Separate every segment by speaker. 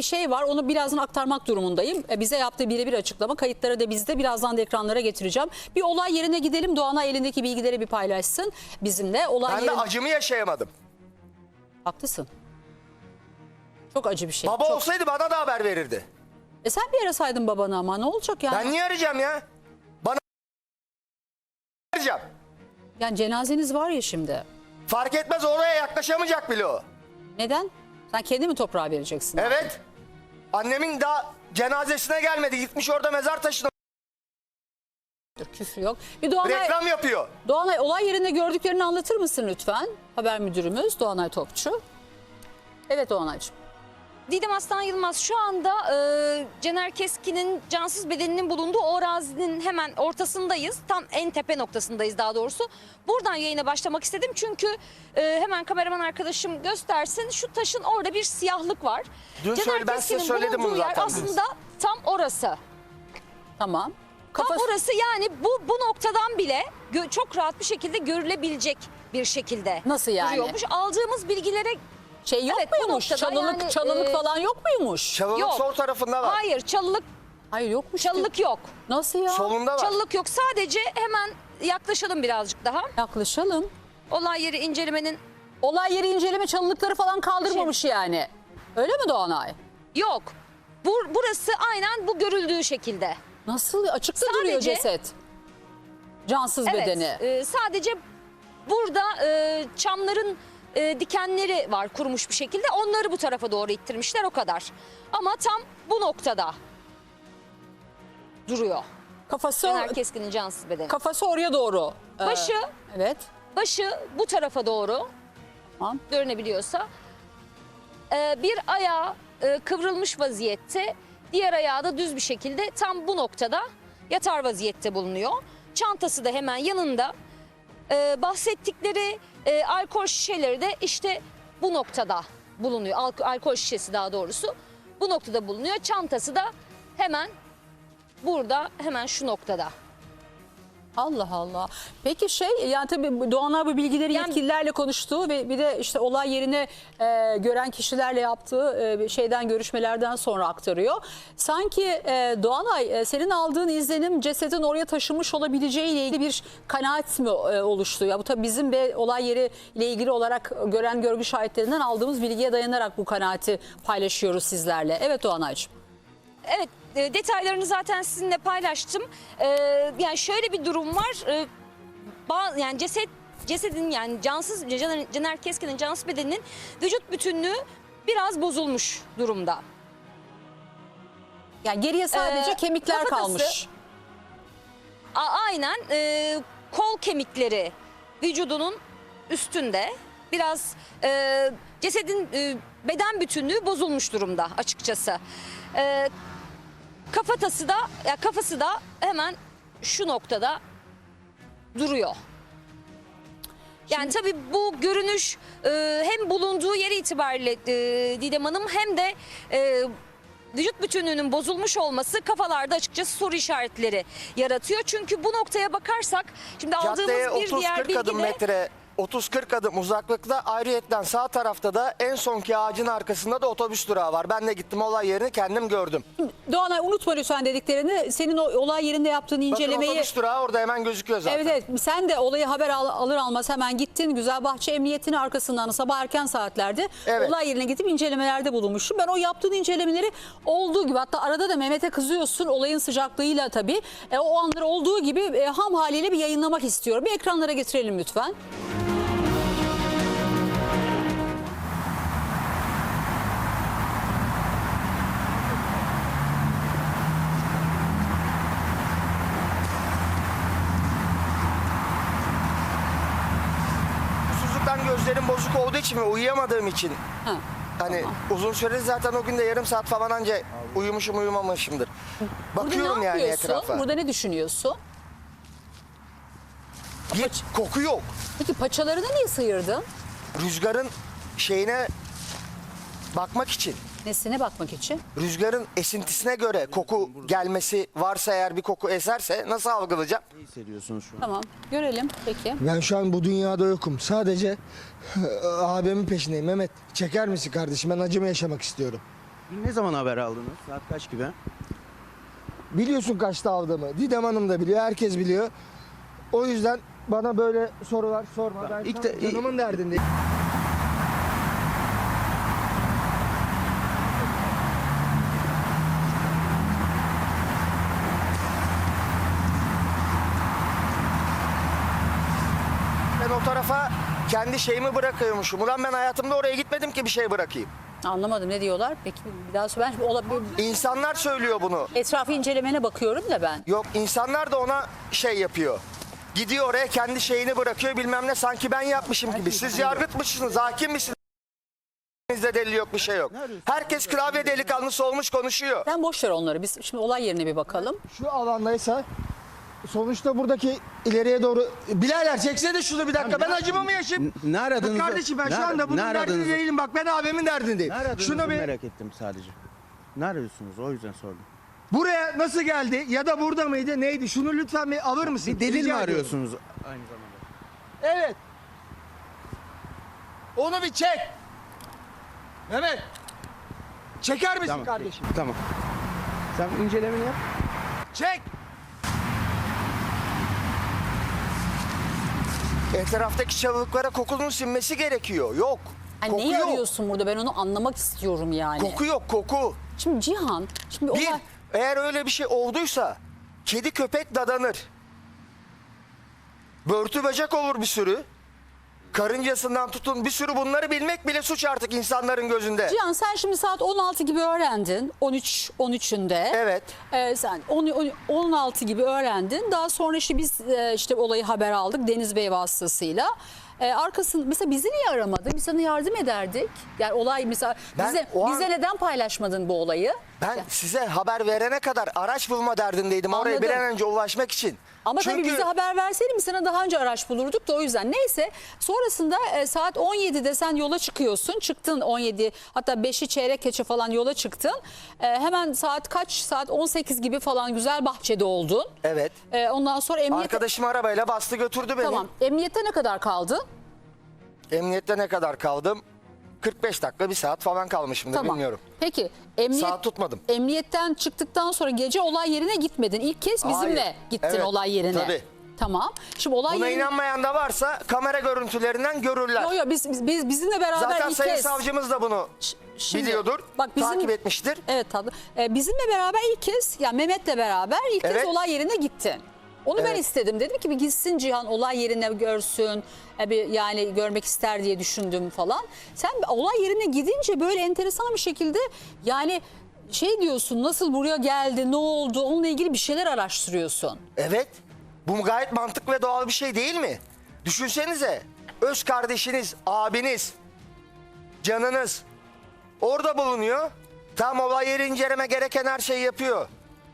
Speaker 1: bir şey var. Onu birazdan aktarmak durumundayım. Bize yaptığı birebir açıklama. Kayıtları da bizde. Birazdan da ekranlara getireceğim. Bir olay yerine gidelim. Doğanay elindeki bilgileri bir paylaşsın bizimle.
Speaker 2: Ben de acımı yaşayamadım.
Speaker 1: Haklısın. Çok acı bir şey.
Speaker 2: Baba
Speaker 1: Çok.
Speaker 2: olsaydı bana da haber verirdi.
Speaker 1: Sen bir arasaydın babanı ama ne olacak yani?
Speaker 2: Ben niye arayacağım ya? Bana arayacağım.
Speaker 1: Yani cenazeniz var ya şimdi.
Speaker 2: Fark etmez, oraya yaklaşamayacak bile o.
Speaker 1: Neden? Sen kendi mi toprağa vereceksin?
Speaker 2: Evet. Annemin daha cenazesine gelmedi. Gitmiş orada mezar taşına.
Speaker 1: Küfür yok. Bir Doğanay,
Speaker 2: Reklam yapıyor.
Speaker 1: Doğanay olay yerinde gördüklerini anlatır mısın lütfen? Haber müdürümüz Doğanay Topçu. Evet Doğanaycığım.
Speaker 3: Didem Aslan Yılmaz, şu anda Cener Keskin'in cansız bedeninin bulunduğu o arazinin hemen ortasındayız. Tam en tepe noktasındayız daha doğrusu. Buradan yayına başlamak istedim çünkü hemen kameraman arkadaşım göstersin. Şu taşın orada bir siyahlık var.
Speaker 2: Dün ben size söyledim bunu
Speaker 3: yer
Speaker 2: zaten.
Speaker 3: aslında tam orası.
Speaker 1: Tamam.
Speaker 3: Tam orası, yani bu noktadan bile çok rahat bir şekilde görülebilecek bir şekilde
Speaker 1: Nasıl yani?
Speaker 3: duruyormuş. Aldığımız bilgilere
Speaker 1: Şey yok
Speaker 3: Evet, bu
Speaker 1: muymuş?
Speaker 3: noktada
Speaker 1: Çalılık
Speaker 3: yani,
Speaker 1: falan yok muymuş?
Speaker 2: Çalılık
Speaker 3: Yok.
Speaker 2: sol tarafında var.
Speaker 3: hayır,
Speaker 1: Hayır yokmuş.
Speaker 3: çalılık yok.
Speaker 1: Nasıl ya?
Speaker 2: Solunda var.
Speaker 3: Çalılık yok. Sadece hemen yaklaşalım birazcık daha.
Speaker 1: Yaklaşalım.
Speaker 3: Olay yeri incelemenin
Speaker 1: Olay yeri inceleme çalılıkları falan kaldırmamış yani. Öyle mi Doğanay?
Speaker 3: yok. Burası aynen bu görüldüğü şekilde.
Speaker 1: Nasıl? Açıkta
Speaker 3: Sadece-
Speaker 1: duruyor ceset. Cansız bedeni.
Speaker 3: Sadece burada çamların dikenleri var kurumuş bir şekilde. Onları bu tarafa doğru ittirmişler, o kadar. Ama tam bu noktada duruyor. Cener Keskin'in cansız bedeni.
Speaker 1: Kafası oraya doğru.
Speaker 3: Başı
Speaker 1: Evet.
Speaker 3: Başı bu tarafa doğru,
Speaker 1: Tamam.
Speaker 3: görünebiliyorsa. Bir ayağı kıvrılmış vaziyette, diğer ayağı da düz bir şekilde tam bu noktada yatar vaziyette bulunuyor. Çantası da hemen yanında. Bahsettikleri alkol şişeleri de işte bu noktada bulunuyor. Alkol şişesi daha doğrusu bu noktada bulunuyor. Çantası da hemen burada, hemen şu noktada.
Speaker 1: Allah Allah. Peki yani tabii Doğanay bu bilgileri yetkililerle konuştuğu ve bir de işte olay yerine gören kişilerle yaptığı şeyden, görüşmelerden sonra aktarıyor. Sanki Doğanay senin aldığın izlenim cesedin oraya taşınmış olabileceğiyle ilgili bir kanaat mi oluştu? Ya bu tabii bizim ve olay yeri ile ilgili olarak gören görgü şahitlerinden aldığımız bilgiye dayanarak bu kanaati paylaşıyoruz sizlerle. Evet Doğanaycığım.
Speaker 3: Evet, detaylarını zaten sizinle paylaştım. Yani şöyle bir durum var. Yani cesedin, yani cansız Cener Keskin'in cansız bedeninin vücut bütünlüğü biraz bozulmuş durumda.
Speaker 1: Yani geriye sadece kemikler
Speaker 3: kafatası,
Speaker 1: kalmış.
Speaker 3: Aynen, kol kemikleri vücudunun üstünde. Biraz cesedin beden bütünlüğü bozulmuş durumda açıkçası. Kafası da hemen şu noktada duruyor. Yani tabii bu görünüş hem bulunduğu yeri itibariyle Didem Hanım, hem de vücut bütünlüğünün bozulmuş olması kafalarda açıkçası soru işaretleri yaratıyor. Çünkü bu noktaya bakarsak şimdi aldığımız
Speaker 2: Caddeye
Speaker 3: bir diğer
Speaker 2: 30-40 adım
Speaker 3: bilgi de...
Speaker 2: metre, 30-40 adım uzaklıkta, ayrıyetten sağ tarafta da en sonki ağacın arkasında da otobüs durağı var. Ben de gittim, olay yerini kendim gördüm.
Speaker 1: Doğanay unutma lütfen dediklerini. Senin o olay yerinde yaptığın incelemeyi...
Speaker 2: Bakın otobüs durağı orada hemen gözüküyor zaten.
Speaker 1: Evet, sen de olayı haber alır almaz hemen gittin. Güzelbahçe Emniyetinin arkasından sabah erken saatlerde olay yerine gidip incelemelerde bulunmuşsun. Ben o yaptığın incelemeleri olduğu gibi, hatta arada da Mehmet'e kızıyorsun olayın sıcaklığıyla tabii. O anları olduğu gibi ham haliyle bir yayınlamak istiyorum. Bir ekranlara getirelim lütfen.
Speaker 2: Susuzluktan gözlerim bozuk olduğu için ve uyuyamadığım için.
Speaker 1: Ha.
Speaker 2: Hani uzun süredir zaten o gün de yarım saat falan anca uyumuşum uyumamışımdır. Bakıyorum
Speaker 1: Burada ne
Speaker 2: yani
Speaker 1: yapıyorsun?
Speaker 2: etrafa.
Speaker 1: Burada ne düşünüyorsun?
Speaker 2: Bir koku yok.
Speaker 1: Peki paçalarını niye sıyırdın?
Speaker 2: Rüzgarın şeyine bakmak için.
Speaker 1: Nesine bakmak için?
Speaker 2: Rüzgarın esintisine göre koku gelmesi varsa, eğer bir koku eserse nasıl algılayacağım?
Speaker 4: Ne hissediyorsunuz şu an?
Speaker 1: Tamam, görelim peki.
Speaker 5: Ben şu an bu dünyada yokum. Sadece abimin peşindeyim. Mehmet, çeker misin kardeşim? Ben acımı yaşamak istiyorum.
Speaker 4: Dün ne zaman haber aldınız? Saat kaç gibi?
Speaker 2: Biliyorsun kaçta aldığımı. Didem Hanım da biliyor, herkes biliyor. O yüzden bana böyle sorular sorma. Ben
Speaker 4: İlk
Speaker 2: şu
Speaker 4: de-
Speaker 2: an canımın derdindeyim. Ben o tarafa kendi şeyimi bırakıyormuşum. Ulan ben hayatımda oraya gitmedim ki bir şey bırakayım.
Speaker 1: Anlamadım, ne diyorlar? Peki bir daha söyle.
Speaker 2: İnsanlar söylüyor bunu.
Speaker 1: Etrafı incelemene bakıyorum da ben.
Speaker 2: Yok, insanlar da ona şey yapıyor. Gidiyor oraya kendi şeyini bırakıyor bilmem ne, sanki ben yapmışım gibi. Siz yargıtmışsınız, hakim misiniz? Bizde delil yok, bir şey yok. Herkes klavye delikanlısı olmuş konuşuyor.
Speaker 1: Sen boş ver onları. Biz şimdi olay yerine bir bakalım.
Speaker 2: Şu alandaysa sonuçta buradaki ileriye doğru... Bilader çeksene şunu bir dakika, ben acımı mı yaşayayım?
Speaker 4: Ne aradınız?
Speaker 2: Kardeşim ben şu anda bunun derdinde değilim, bak ben abimin derdindeyim.
Speaker 4: Ne aradığınızı
Speaker 2: Şunu bir...
Speaker 4: merak ettim sadece. Ne arıyorsunuz? O yüzden sordum.
Speaker 2: Buraya nasıl geldi ya da burada mıydı neydi? Şunu lütfen bir alır mısın?
Speaker 4: Bir delil
Speaker 2: Rica
Speaker 4: mi
Speaker 2: ediyorum.
Speaker 4: arıyorsunuz aynı zamanda?
Speaker 2: Evet. Onu bir çek. Mehmet. Çeker misin
Speaker 4: Tamam.
Speaker 2: kardeşim?
Speaker 4: Tamam. Sen incelemeni yap.
Speaker 2: Çek. Etraftaki çalılıklara kokunun sinmesi gerekiyor. Yok.
Speaker 1: Hani
Speaker 2: Koku
Speaker 1: neyi
Speaker 2: yok.
Speaker 1: arıyorsun burada? Ben onu anlamak istiyorum yani.
Speaker 2: Koku yok, koku.
Speaker 1: Şimdi Cihan, şimdi
Speaker 2: Bir,
Speaker 1: olay...
Speaker 2: eğer öyle bir şey olduysa kedi köpek dadanır. Börtü böcek olur bir sürü. Karıncasından tutun bir sürü, bunları bilmek bile suç artık insanların gözünde.
Speaker 1: Cihan sen şimdi saat 16 gibi öğrendin. 13'ünde.
Speaker 2: Evet.
Speaker 1: Sen 16 gibi öğrendin. Daha sonra işte biz işte olayı haber aldık Deniz Bey vasıtasıyla. Arkasında mesela bizi niye aramadın? Biz sana yardım ederdik. Yani olay mesela
Speaker 2: Ben
Speaker 1: bize,
Speaker 2: o an-
Speaker 1: bize neden paylaşmadın bu olayı?
Speaker 2: Ben size haber verene kadar araç bulma derdindeydim. Oraya
Speaker 1: Anladım.
Speaker 2: bir an önce ulaşmak için.
Speaker 1: Ama tabii bize haber verseydin biz sana daha önce araç bulurduk da o yüzden. Neyse sonrasında saat 17'de sen yola çıkıyorsun. Çıktın 17, hatta 5'i çeyrek geçe falan yola çıktın. Hemen saat kaç? Saat 18 gibi falan Güzelbahçe'de oldun.
Speaker 2: Evet.
Speaker 1: Ondan sonra emniyete...
Speaker 2: Arkadaşım arabayla bastı götürdü beni.
Speaker 1: Tamam. Emniyette ne kadar kaldın?
Speaker 2: Emniyette ne kadar kaldım? 45 dakika, bir saat falan kalmışımdır,
Speaker 1: Tamam.
Speaker 2: bilmiyorum.
Speaker 1: Peki
Speaker 2: Saat tutmadım.
Speaker 1: emniyetten çıktıktan sonra gece olay yerine gitmedin. İlk kez bizimle
Speaker 2: Hayır.
Speaker 1: gittin
Speaker 2: Evet,
Speaker 1: olay yerine.
Speaker 2: tabii.
Speaker 1: Tamam. Şimdi olay
Speaker 2: Buna
Speaker 1: yerine...
Speaker 2: inanmayan da varsa kamera görüntülerinden görürler.
Speaker 1: Yo, biz bizimle beraber
Speaker 2: Zaten
Speaker 1: ilk
Speaker 2: sayın
Speaker 1: kez...
Speaker 2: savcımız da bunu
Speaker 1: Şimdi,
Speaker 2: biliyordur. Takip etmiştir.
Speaker 1: Evet tabii. Bizimle beraber ilk kez, yani Mehmet'le beraber ilk kez
Speaker 2: Evet.
Speaker 1: olay yerine gittin. Onu ben
Speaker 2: Evet.
Speaker 1: istedim. Dedim ki bir gitsin Cihan olay yerine görsün. Yani görmek ister diye düşündüm falan. Sen olay yerine gidince böyle enteresan bir şekilde yani şey diyorsun, nasıl buraya geldi, ne oldu, onunla ilgili bir şeyler araştırıyorsun.
Speaker 2: Evet. Bu gayet mantıklı ve doğal bir şey değil mi? Düşünsenize. Öz kardeşiniz, abiniz, canınız orada bulunuyor. Tam olay yeri inceleme gereken her şeyi yapıyor.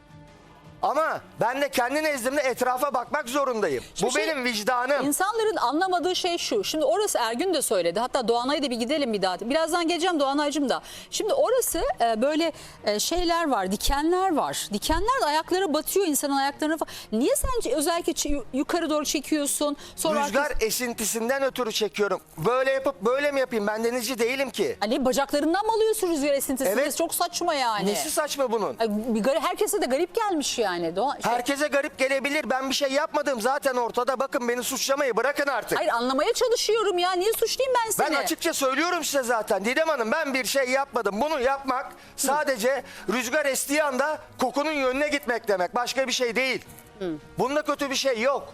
Speaker 2: Ama ben de kendi nezdimde etrafa bakmak zorundayım.
Speaker 1: Şimdi
Speaker 2: Bu benim vicdanım.
Speaker 1: İnsanların anlamadığı şey şu. Şimdi orası Ergün de söyledi. Hatta Doğanay'a da bir gidelim bir daha. Birazdan geleceğim Doğanay'cığım da. Şimdi orası böyle şeyler var, dikenler var. Dikenler de ayaklara batıyor, insanın ayaklarına falan. Niye sen özellikle yukarı doğru çekiyorsun? Sonra
Speaker 2: Rüzgar esintisinden ötürü çekiyorum. Böyle yapıp böyle mi yapayım? Ben denizci değilim ki.
Speaker 1: Hani bacaklarından mı alıyorsun rüzgar esintisini?
Speaker 2: Evet.
Speaker 1: Çok saçma yani.
Speaker 2: Nesi saçma bunun?
Speaker 1: Herkese de garip gelmiş yani.
Speaker 2: Herkese garip gelebilir. Ben bir şey yapmadım zaten ortada. Bakın beni suçlamayı bırakın artık.
Speaker 1: Hayır, anlamaya çalışıyorum ya. Niye suçlayayım ben seni?
Speaker 2: Ben açıkça söylüyorum size zaten. Didem Hanım, ben bir şey yapmadım. Bunu yapmak sadece rüzgar estiği anda kokunun yönüne gitmek demek. Başka bir şey değil. Bunda kötü bir şey yok.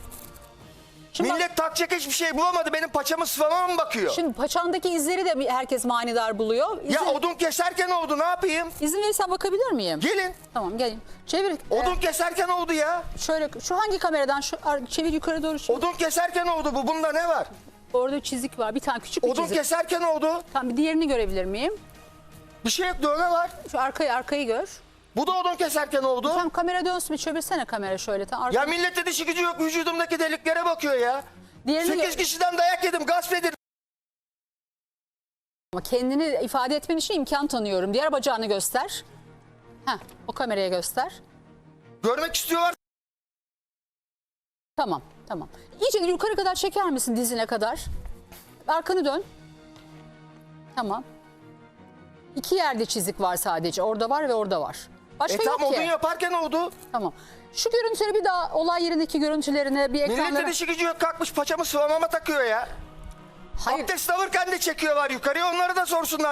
Speaker 1: Şimdi bak-
Speaker 2: Millet takacak hiçbir şey bulamadı. Benim paçamı sıvama mı bakıyor?
Speaker 1: Şimdi paçandaki izleri de herkes manidar buluyor.
Speaker 2: Ya odun keserken oldu, ne yapayım?
Speaker 1: İzin verirsen bakabilir miyim?
Speaker 2: Gelin.
Speaker 1: Tamam gelin. Çevir.
Speaker 2: Odun keserken oldu ya.
Speaker 1: Şöyle şu hangi kameradan çevir yukarı doğru.
Speaker 2: Odun keserken oldu bu. Bunda ne var?
Speaker 1: Orada bir çizik var. Bir tane küçük bir
Speaker 2: Odun
Speaker 1: çizik.
Speaker 2: keserken oldu.
Speaker 1: Tamam, bir diğerini görebilir miyim?
Speaker 2: Bir şey yok, dövme var.
Speaker 1: Şu arkayı gör.
Speaker 2: Bu da odun keserken oldu.
Speaker 1: Tamam, kamera dönsün, bir çevirsene kamera şöyle. Tam
Speaker 2: Ya millette dişi gücü yok, vücudumdaki deliklere bakıyor ya.
Speaker 1: Diğerini
Speaker 2: 8 kişiden dayak yedim, gasp edildim.
Speaker 1: Ama kendini ifade etmen için imkan tanıyorum. Diğer bacağını göster. Heh, o kameraya göster.
Speaker 2: Görmek istiyorlar.
Speaker 1: Tamam. İyice yukarı kadar çeker misin, dizine kadar? Arkanı dön. Tamam. İki yerde çizik var sadece. Orada var ve orada var. Başka
Speaker 2: Tam
Speaker 1: yok
Speaker 2: odun
Speaker 1: ki.
Speaker 2: yaparken oldu.
Speaker 1: Tamam. Şu görüntüleri bir daha olay yerindeki görüntülerine bir
Speaker 2: Milletin
Speaker 1: ekranlara...
Speaker 2: işi gücü yok, kalkmış paçamı sıvamama takıyor ya.
Speaker 1: Hayır,
Speaker 2: Abdest alırken de çekiyorlar yukarıya, onları da sorsunlar.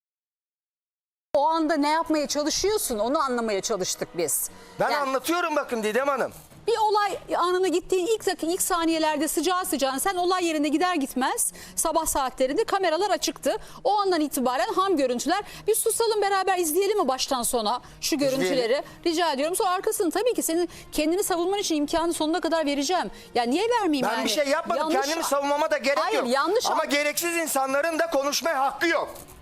Speaker 1: o anda ne yapmaya çalışıyorsun onu anlamaya çalıştık biz.
Speaker 2: Ben
Speaker 1: Yani
Speaker 2: anlatıyorum bakın Didem Hanım.
Speaker 1: bir olay anına gittiğin ilk saniyelerde sıcağı sıcağına sen olay yerine gider gitmez sabah saatlerinde kameralar açıktı. O andan itibaren ham görüntüler. Bir susalım beraber izleyelim mi baştan sona şu görüntüleri? Rica ediyorum. Sonra arkasını tabii ki senin kendini savunman için imkanı sonuna kadar vereceğim. Ya niye vermeyeyim
Speaker 2: Ben
Speaker 1: yani?
Speaker 2: bir şey yapmadım.
Speaker 1: Yanlış-
Speaker 2: Kendimi savunmama da gerek
Speaker 1: Hayır,
Speaker 2: yok.
Speaker 1: yanlış
Speaker 2: Ama gereksiz insanların da konuşmaya hakkı yok.